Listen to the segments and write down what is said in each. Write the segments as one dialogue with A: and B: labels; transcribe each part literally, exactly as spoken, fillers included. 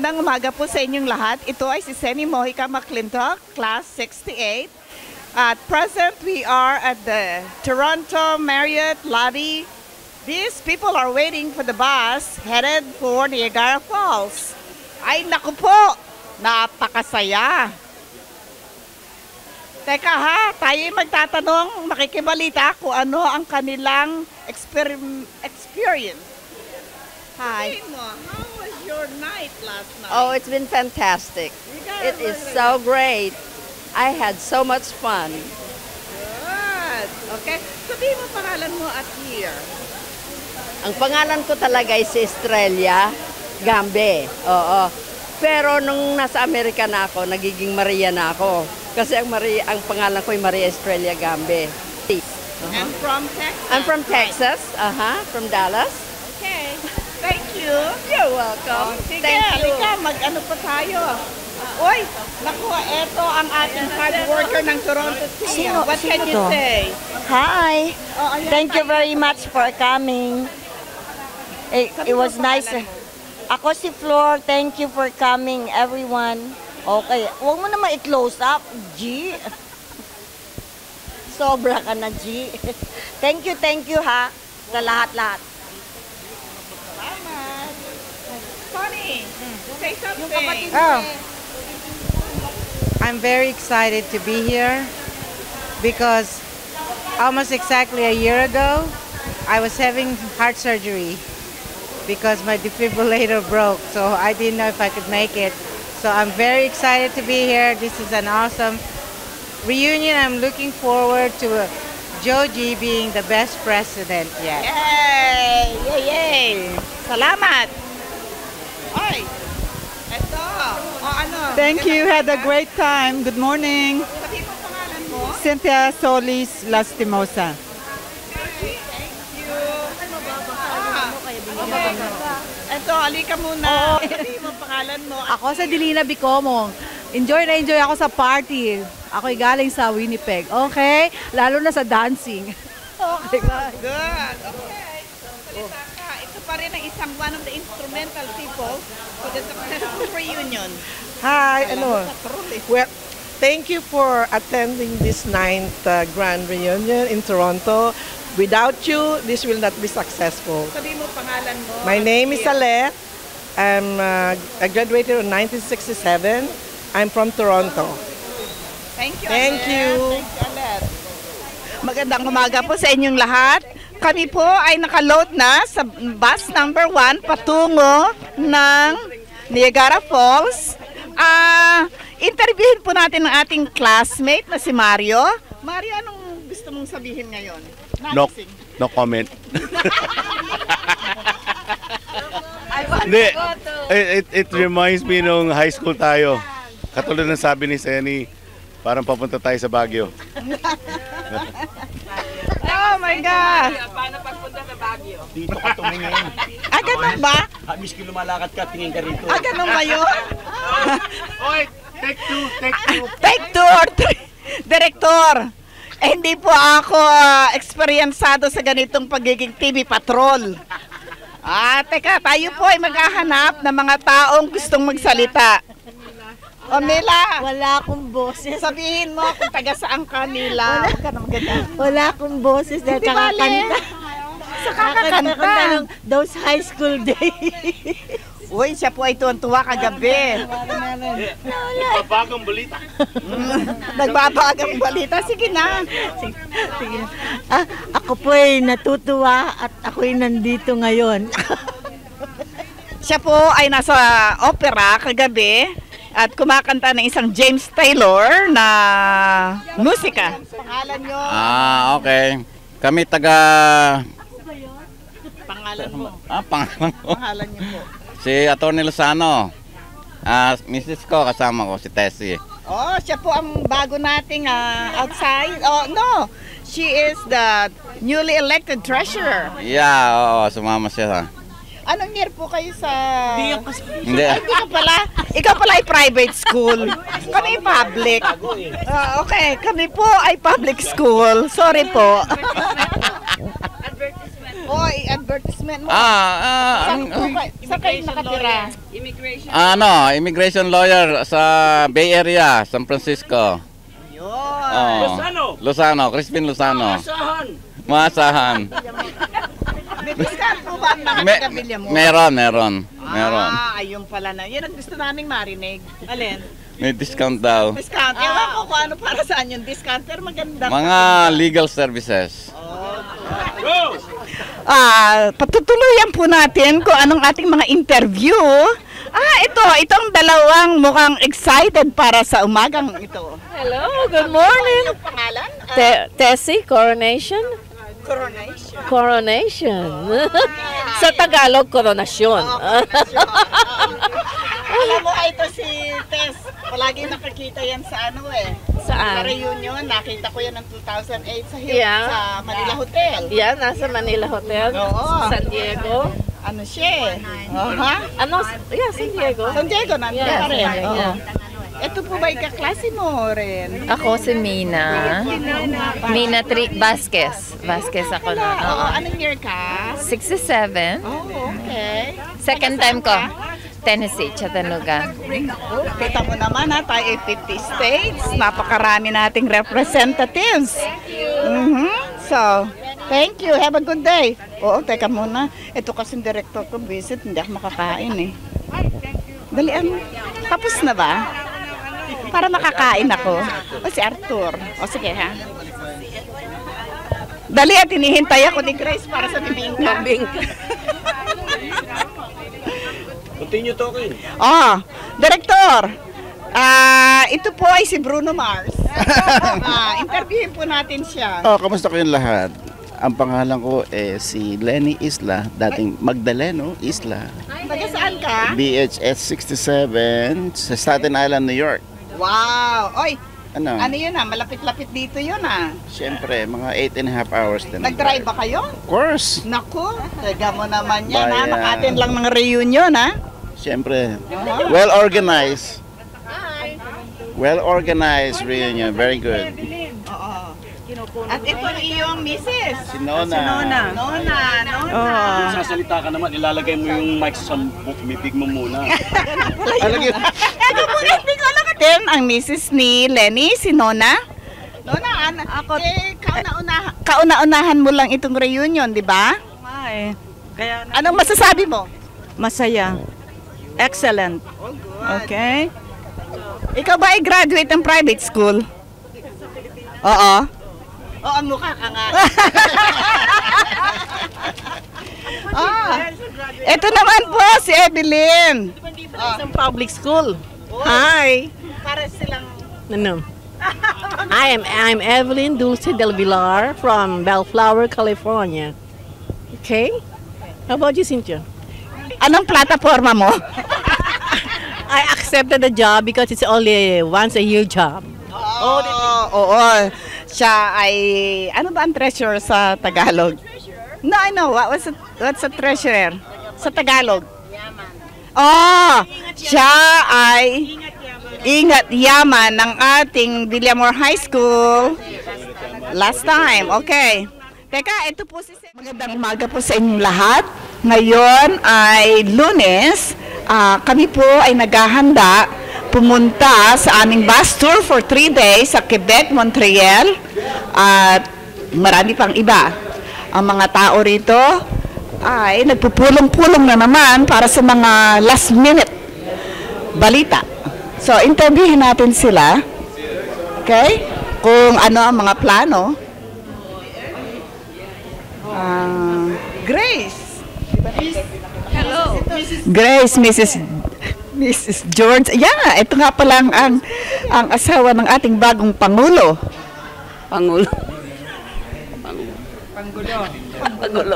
A: Magandang umaga po sa inyong lahat. Ito ay si Seni Mojica McClintock, Class sixty-eight. At present, we are at the Toronto Marriott lobby. These people are waiting for the bus headed for Niagara Falls. Ay, naku po! Napakasaya! Teka ha, tayo magtatanong, makikibalita kung ano ang kanilang exper experience.
B: Hi.
A: How was your night last night?
B: Oh, it's been fantastic. It is so great. I had so much fun.
A: Good. Okay. Sabihin mo pangalan mo at year.
B: Ang pangalan ko talaga ay si Estrella Gambe. Oo. Pero nung nasa Amerika na ako, nagiging Maria na ako. Kasi ang, Maria, ang pangalan ko ay Maria Estrella Gambe.
A: Uh-huh. And from Texas?
B: I'm from Texas. Uh-huh. From Dallas.
A: Okay. Thank you.
B: You're welcome.
A: Oh, sige,
B: Thank you.
A: halika, mag-ano pa tayo. Uy, naku, eto ang ating hard worker ng Toronto team.
C: Sino-
A: What can
C: sino
A: you
C: to?
A: say?
C: Hi.
A: Oh, ayan,
C: Thank you
A: tayo.
C: very much for coming. It, it was nice. Ako si Flor. Thank you for coming, everyone. Okay. Huwag mo naman i-close up, G. Sobra ka na, G. Thank you, thank you, ha. Sa lahat-lahat.
A: Salamat. Connie, say something.
D: Oh, I'm very excited to be here because almost exactly a year ago, I was having heart surgery because my defibrillator broke, so I didn't know if I could make it. So I'm very excited to be here. This is an awesome reunion. I'm looking forward to uh, Joji being the best president yet.
A: Yay! Yay! Yay! Salamat! Oy! Eto! O ano?
E: Thank you. Had a great time. Good morning.
A: Sabi mo pangalan mo?
E: Cynthia Solis Lastimosa.
A: Thank you. Ah, okay. Eto, alika muna. Sabi mo pangalan mo.
F: Ako sa Dilina Bicomo. Enjoy na enjoy ako sa party. Ako'y galing sa Winnipeg. Okay? Lalo na sa dancing. Okay, bye.
A: Good. Okay. Salita ka. Ito pa rin ang isang one of the instrumental people for the successful reunion.
G: Hi, ano?
A: Patrol eh.
G: Well, thank you for attending this ninth uh, grand reunion in Toronto. Without you, this will not be successful.
A: Sabi mo pangalan mo.
G: My name is Alet. I'm uh, I graduated in nineteen sixty-seven. I'm from Toronto.
A: Thank you.
G: Thank
A: Alet.
G: you.
A: Thank you, Alet. Magandang umaga po sa inyong lahat. Kami po ay nakaload na sa bus number one patungo ng Niagara Falls. Ah, interviewin po natin ang ating classmate na si Mario. Mario, anong gusto mong sabihin ngayon?
H: No,
A: Nagising.
H: no comment. Hindi, it, it, it reminds me nung high school tayo. Katulad ng sabi ni Seni, parang papunta tayo sa Baguio.
A: Oh my God!
I: Paano pagpunta sa Baguio?
J: Dito ka tumingin.
A: Ah, ganun ba?
J: Ah, miski lumalakad ka, tingin ka rito.
A: Ah, ganun ba yun?
H: Oy, take two, take two.
A: Take two or three. Direktor, eh, hindi po ako uh, eksperyensado sa ganitong pagiging T V patrol. Ah, teka, tayo po ay maghahanap ng mga taong gustong magsalita. O Mila,
C: Wala akong boses.
A: sabihin mo kung taga saan ka, Mila. Huwag ka na maganda.
C: Wala akong boses dahil
A: Di bale.
C: kakakanta.
A: Sa kakakanta.
C: Kakakanta ng those high school days.
A: Uy, siya po ay tuwan-tuwa kagabi.
H: Bagong balita.
A: Nagbabagang balita. Sige na.
C: Sige, sige. Ah, ako po ay natutuwa at ako'y nandito ngayon.
A: Siya po ay nasa opera kagabi at kumakanta ng isang James Taylor na musika. Pangalan nyo?
K: Ah, okay. Kami taga...
A: Pangalan mo.
K: Ah, pangalan ko.
A: Pangalan niyo po.
K: Si Atty. Lozano. Ah, missus ko, kasama ko, si Tessie.
A: Oh, siya po ang bago nating ah, outside. Oh, no. She is the newly elected treasurer.
K: Yeah, oo, sumama siya.
A: Anong year po kayo sa...
K: Hindi.
A: Ay, Hindi ka pala. Ikaw pala ay private school. Kami public. Ah, okay, kami po ay public school. Sorry po. Oy, advertisement mo.
K: Ah, ah,
A: Saan
K: ang-
A: po kayo- saan kayo nakatira?
I: Immigration.
K: Ano, immigration lawyer sa Bay Area, San Francisco.
A: Yun.
K: Oh.
J: Lozano.
K: Lozano, Crispin Lozano.
J: Asahan.
K: Maasahan.
A: May discount po ba ang mga
K: Me-
A: taga-bilya mo?
K: meron, meron. Meron.
A: Ah, ayun pala na. Yan ang gusto naming marinig. Alin?
K: May discount daw.
A: Discount. Ewan ko kung ano para saan yung discount, pero maganda.
K: Mga legal services.
A: Ah, patutuluyan po natin kung anong ating mga interview. Ah, ito, itong dalawang mukhang excited para sa umagang ito.
L: Hello, good morning.
A: Ano yung pangalan? Ah,
L: Te- Tessie, Coronation?
A: Coronation.
L: Coronation. Sa Tagalog, koronasyon.
A: Alam mo, ito si Tess. Palagi nakakita yan sa ano eh.
L: Saan?
A: Sa reunion, nakita ko yan ng two thousand eight sa, Hill,
L: Yeah.
A: sa Manila Hotel.
L: Yan, nasa Manila Hotel.
A: Oo.
L: San Diego.
A: Ano siya eh. Aha.
L: Ano? Yeah, San Diego.
A: San Diego, nandun
L: Yeah,
A: pa rin.
L: San Diego,
A: Oo.
L: yeah.
A: Ito po ba kaklase mo rin?
M: Ako si Mina. Mina Tri Vasquez. Vasquez ako na.
A: Oo,
M: Oo.
A: anong year ka?
M: sixty-seven.
A: Oh, okay.
M: Second time ko. Tennessee, Chattanooga.
A: Kita mo naman ha, tayo ay fifty states. Napakarami nating representatives. Mhm. So, thank you. Have a good day. Oo, teka muna. Ito kasing director ko visit, hindi ako makakain eh. Dalian. Tapos na ba? Para makakain ako. O si Arthur. O sige ha. Dali at hinihintay ako ni Grace para sa bibingka.
J: Continue talking.
A: Ah, Director. Ah, ito po ay si Bruno Mars. Ah, interviewin po natin siya.
N: Oh, kamusta kayong lahat? Ang pangalan ko eh si Lenny Isla, dating Magdaleno Isla.
A: Taga saan ka?
N: B H S sixty-seven sa Staten Island, New York.
A: Wow! Oy,
N: Ano?
A: ano yun ah? Malapit-lapit dito yun ah.
N: Siyempre, mga eight and a half hours din. ang
A: Nag-drive ba kayo?
N: Of course.
A: Naku, tega mo naman yan ha.
N: Bayan.
A: Nakatin lang ng reunion ha.
N: Siyempre. Well organized. Well organized reunion. Very good.
A: Oo. At ito ang iyong misis.
N: Si Nona.
A: Si Nona. Nona, Nona.
J: Kung sasalita ka naman, ilalagay mo yung mic sa bibig mo muna.
A: Alagyan. Ito po, hindi ko alam din ang misis ni Lenny, si Nona. Nona, an- ako, eh, kauna-una- kauna-unahan mo lang itong reunion, di ba?
C: Ay, kaya
A: Anong masasabi mo?
C: masaya. Excellent. Okay?
A: Ikaw ba ay graduate ng private school? Oo. Oo, mukha ka nga. Ah, ito naman po si Evelyn.
O: Isang public school.
A: Hi. Para silang
O: No. I am I'm Evelyn Dulce Del Villar from Bellflower, California. Okay? How about you, Cynthia?
A: Anong plataforma mo?
O: I accepted the job because it's only a once a year job.
A: Oo, oo. Siya ay, ano ba ang treasurer sa Tagalog? No, I know. What, what's, a, what's a treasurer? Sa Tagalog? Oh, siya ay ingat yaman ng ating Villamor High School last time. Okay. Teka, ito po si... Magandang umaga po sa inyong lahat. Ngayon ay Lunes. Ah, kami po ay naghahanda pumunta sa aming bus tour for three days sa Quebec, Montreal at marami pang iba. Ang mga tao rito ay nagpupulong-pulong na naman para sa mga last minute balita. So, interviewin natin sila. Okay? Kung ano ang mga plano. Ah, Grace.
I: Hello.
A: Grace, Missus Missus George. Yeah, ito nga pala ang, ang, ang asawa ng ating bagong Pangulo.
B: Pangulo.
A: Pangulo.
B: Pangulo.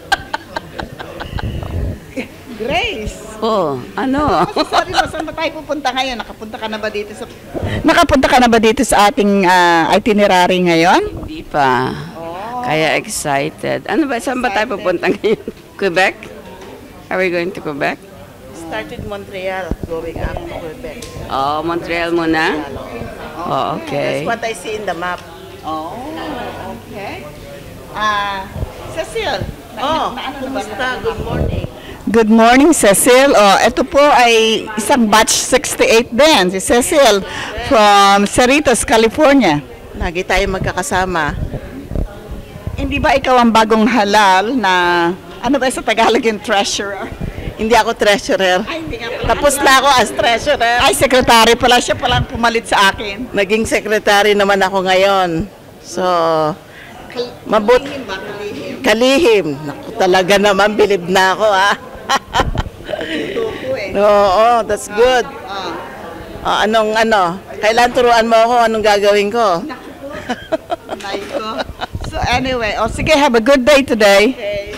A: Grace.
B: Oh, ano?
A: Sabi mo, saan ba tayo pupunta ngayon? Nakapunta ka na ba dito sa Nakapunta ka na ba dito sa ating ah, itinerary ngayon?
B: Hindi pa. Kaya excited. Ano ba? Saan ba tayo pupunta ngayon? Quebec? Are we going to Quebec?
A: Started Montreal, going up to Quebec.
B: Oh, Montreal muna? Oh, okay.
A: That's what I see in the map. Oh, okay. Ah, Cecil.
I: Oh, kumusta? Good morning.
A: Good morning, Cecil. Oh, ito po ay isang batch sixty-eight din, si Cecil from Cerritos, California.
P: Lagi tayo magkakasama.
A: Hindi ba ikaw ang bagong halal na, ano ba sa Tagalog yung treasurer?
P: Hindi ako treasurer.
A: Ay, hindi nga pala.
P: Tapos na ako as treasurer.
A: Ay, secretary pala. Siya palang pumalit sa akin.
P: Naging secretary naman ako ngayon. So, mabut...
A: Kalihim ba? Kalihim?
P: Kalihim. Naku, talaga naman, bilib na ako, ha? Oo, that's good. Oh, anong, ano? Kailan turuan mo ako anong gagawin ko?
A: So anyway, oh, sige, have a good day today.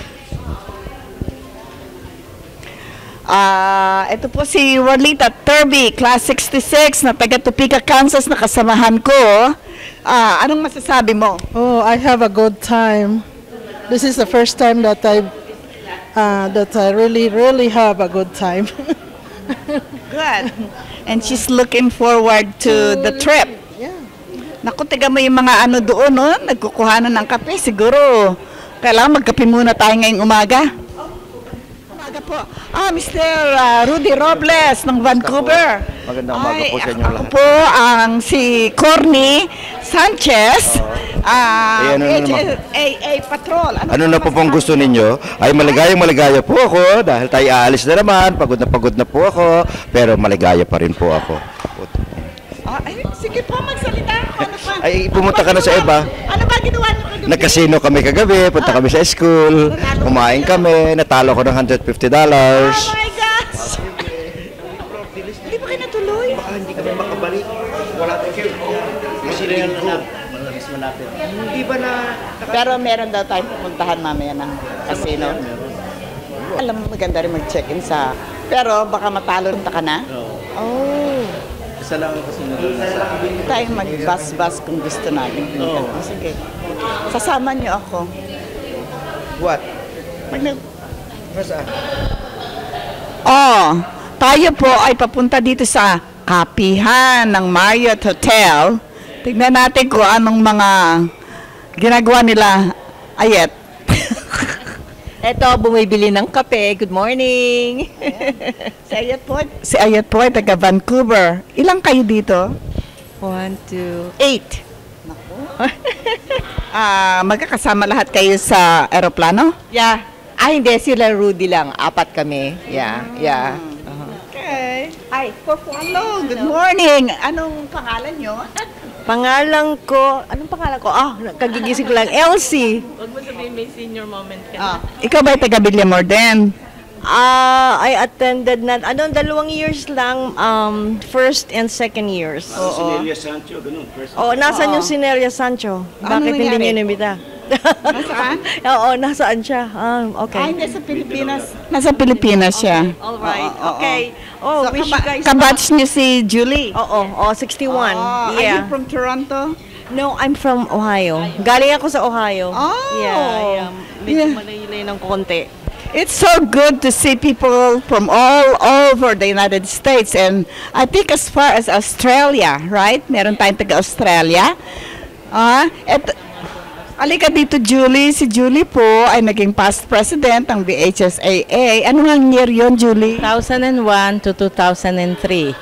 A: Ah, uh, ito po si Rolita Turby, class sixty-six, na taga Topeka, Kansas, na kasamahan ko. Ah, uh, anong masasabi mo?
Q: Oh, I have a good time. This is the first time that I uh, that I really, really have a good time.
A: Good. And she's looking forward to the trip.
Q: Yeah.
A: Naku, tiga mo yung mga ano doon, no? Nagkukuhanan ng kape. Siguro, kailangan magkape muna tayo ngayong umaga. Umaga po. Ah, Mister Uh, Rudy Robles ng Vancouver.
R: Magandang umaga po sa inyo lahat.
A: Ako po ang si Corny Sanchez. Ah,
R: Eh, ano na
A: H
R: naman?
A: S A A Patrol.
R: Ano na po pong gusto ninyo? Ay maligayang maligaya po ako dahil tayo aalis na naman. Pagod na pagod na po ako. Pero maligaya pa rin po ako.
A: Ah, ay, sige po, magsalita. Ano pa?
R: Ay pumunta ka na sa iba.
A: Ano ba ginawa niyo kagabi?
R: Nagkasino kami kagabi. Punta kami sa school. Kumain kami. Natalo ko ng one hundred fifty dollars.
A: Oh my gosh! Hindi ba kayo natuloy?
R: Baka hindi kami makabalik. Wala tayo. Masilihan na natin. Hindi ba na...
A: Pero meron daw tayong pupuntahan mamaya ng casino. Alam mo, maganda rin mag-check-in sa... Pero baka matalo ka na? Oh.
N: Isa lang ang casino.
A: Tayo mag-bus-bus kung gusto natin.
N: Oo.
A: Oh, sige. Sasama niyo ako.
R: What?
A: Pag nag...
R: Saan?
A: Oh, tayo po ay papunta dito sa kapihan ng Marriott Hotel. Tignan natin kung anong mga ginagawa nila. Ayet.
S: Eto, bumibili ng kape. Good morning.
A: Si Ayet po, si Ayet po ay taga Vancouver. Ilang kayo dito?
S: One, two,
A: eight. Ah, magkakasama lahat kayo sa eroplano?
S: Yeah. Ah, hindi. Sila Rudy lang. Apat kami. Yeah, yeah.
A: Okay. Hi, hello, good morning. Anong pangalan nyo?
S: Pangalan ko, anong pangalan ko? Ah, kagigising ko lang. Elsie.
L: Huwag mo sabihin may senior moment ka
A: Ah. Ikaw ba taga Villamor din?
S: Ah, I attended na, ano, dalawang years lang, um, first and second years.
J: Sinelia Sancho, ganun. First.
S: Oo, nasaan
A: Oo.
S: yung Sinelia Sancho?
A: Ano
S: Bakit hindi
A: nangyari?
S: niyo inimbita?
A: Nasaan?
S: Oo, nasaan siya? Ah, okay.
A: Ah, hindi, sa Pilipinas. Nasa Pilipinas siya.
S: All right.
A: Oo, oo,
S: Okay. Oh,
A: So,
S: wish
A: kaba-
S: you guys
A: kabatch niyo si Julie.
S: Oo, oh, sixty-one.
A: Oh, Are
S: Yeah.
A: you from Toronto?
S: No, I'm from Ohio. Galing ako sa Ohio.
A: Oh.
S: Yeah, yeah. Medyo
A: Yeah.
S: malaylay ng konti.
A: It's so good to see people from all over the United States, and I think as far as Australia, right? Meron tayong taga-Australia. Ah, et, alika dito, Julie. Si Julie po ay naging past president ng V H S A A. Ano nga year yun, Julie?
L: two thousand one to two thousand three.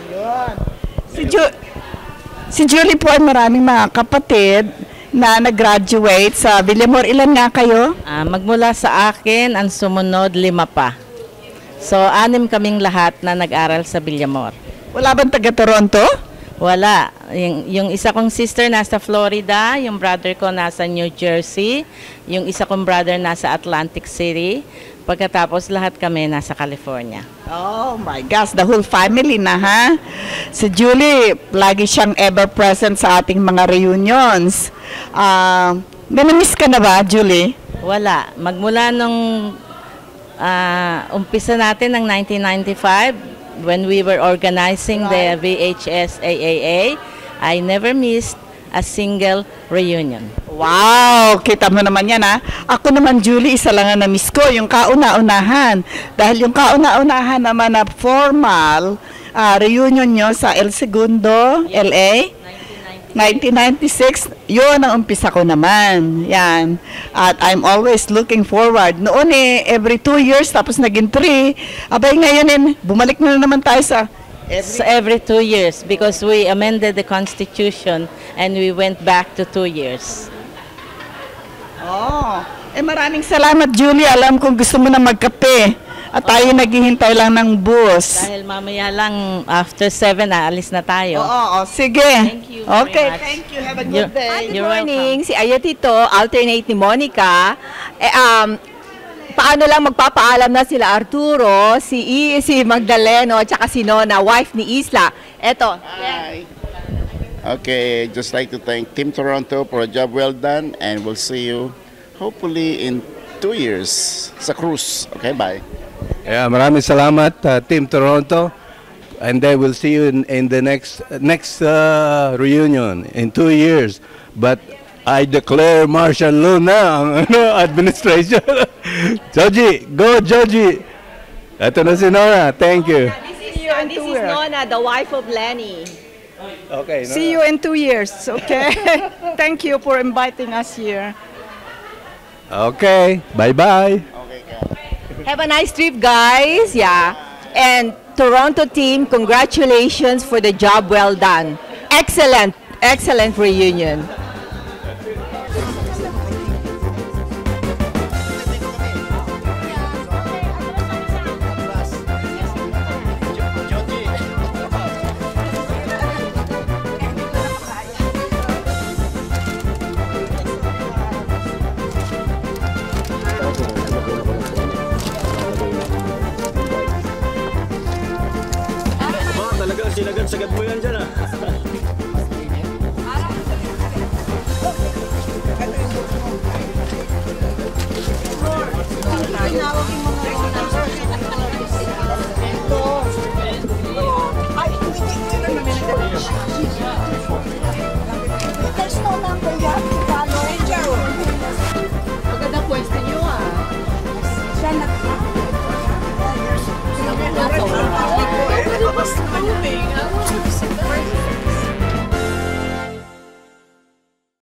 A: Si, Ju- si Julie po ay maraming mga kapatid na nag-graduate sa Villamor. Ilan nga kayo?
L: Ah, magmula sa akin, ang sumunod, lima pa. So, anim kaming lahat na nag-aral sa Villamor.
A: Wala bang taga-Toronto?
L: Wala. Yung, yung isa kong sister nasa Florida, yung brother ko nasa New Jersey, yung isa kong brother nasa Atlantic City, pagkatapos lahat kami nasa California.
A: Oh my gosh, the whole family na, ha? Si Julie, lagi siyang ever present sa ating mga reunions. Ah, uh, miss ka na ba, Julie?
L: Wala. Magmula nung ah, umpisa natin ng nineteen ninety-five, when we were organizing the V H S A A A, I never missed a single reunion.
A: Wow, kita mo naman yan, ha? Ako naman, Julie, isa lang ang na-miss ko, yung kauna-unahan. Dahil yung kauna-unahan naman na formal ah, reunion nyo sa El Segundo, L A,
T: nineteen ninety-six, yun ang umpisa ko naman. Yan. At I'm always looking forward. Noon eh, every two years, tapos naging three. Abay ngayon eh, bumalik na naman tayo sa
L: Every, so every two years because we amended the constitution and we went back to two years.
T: Oh, eh maraming salamat Julie. Alam kong gusto mo na magkape at tayo oh. naghihintay lang ng bus.
L: Dahil mamaya lang after seven aalis na tayo.
T: Oo, oh, oh, sige.
L: Thank you very
T: okay,
L: much.
T: thank you. Have a good
L: You're,
T: day.
U: Good morning. Si Ayatito, alternate ni Monica. Eh, um, paano lang magpapaalam na sila Arturo, si I, si Magdaleno, at saka si Nona, wife ni Isla. Eto.
N: Hi. Okay, just like to thank Team Toronto for a job well done and we'll see you hopefully in two years sa cruise. Okay, bye.
V: Yeah, maraming salamat uh, Team Toronto and then we'll see you in, in the next next uh, reunion in two years. But I declare martial law na ang ano, administration. Joji, go Joji. Ito na si Nora. Thank you.
U: This is, uh, this is Nona, the wife of Lenny.
V: Okay. Nora.
T: See you in two years, okay? Thank you for inviting us here.
V: Okay. Bye-bye.
U: Have a nice trip, guys. Yeah. And Toronto team, congratulations for the job well done. Excellent, excellent reunion.
J: Talagang sinagad-sagad mo yan dyan ah.